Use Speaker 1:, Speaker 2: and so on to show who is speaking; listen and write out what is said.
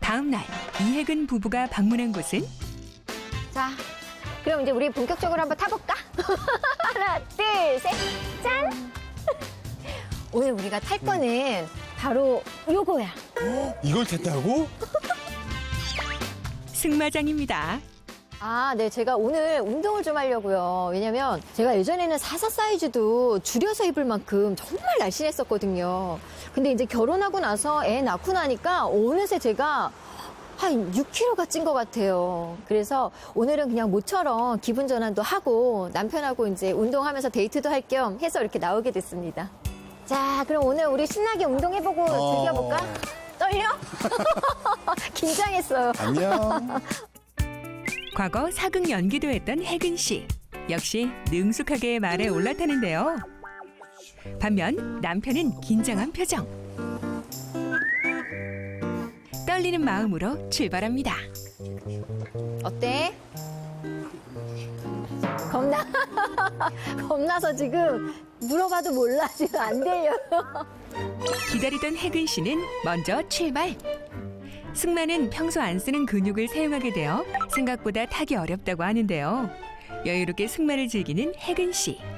Speaker 1: 다음 날 이혜근 부부가 방문한 곳은
Speaker 2: 자, 그럼 이제 우리 본격적으로 한번 타볼까? 하나, 둘, 셋, 짠! 오늘 우리가 탈 거는 바로 요거야.
Speaker 3: 이걸 탔다고?
Speaker 1: 승마장입니다.
Speaker 2: 아, 네. 제가 오늘 운동을 좀 하려고요. 왜냐면 제가 예전에는 44 사이즈도 줄여서 입을 만큼 정말 날씬했었거든요. 근데 이제 결혼하고 나서 애 낳고 나니까 어느새 제가 한 6kg가 찐 것 같아요. 그래서 오늘은 그냥 모처럼 기분 전환도 하고 남편하고 이제 운동하면서 데이트도 할 겸 해서 이렇게 나오게 됐습니다. 자, 그럼 오늘 우리 신나게 운동해보고 즐겨볼까? 떨려? 긴장했어요.
Speaker 3: 안녕.
Speaker 1: 과거 사극 연기도 했던 혜근 씨. 역시 능숙하게 말에 올라타는데요. 반면 남편은 긴장한 표정. 떨리는 마음으로 출발합니다.
Speaker 2: 어때? 겁나서 지금 물어봐도 몰라. 지금 안 들려요.
Speaker 1: 기다리던 혜근 씨는 먼저 출발. 승마는 평소 안 쓰는 근육을 사용하게 되어 생각보다 타기 어렵다고 하는데요. 여유롭게 승마를 즐기는 혜근 씨.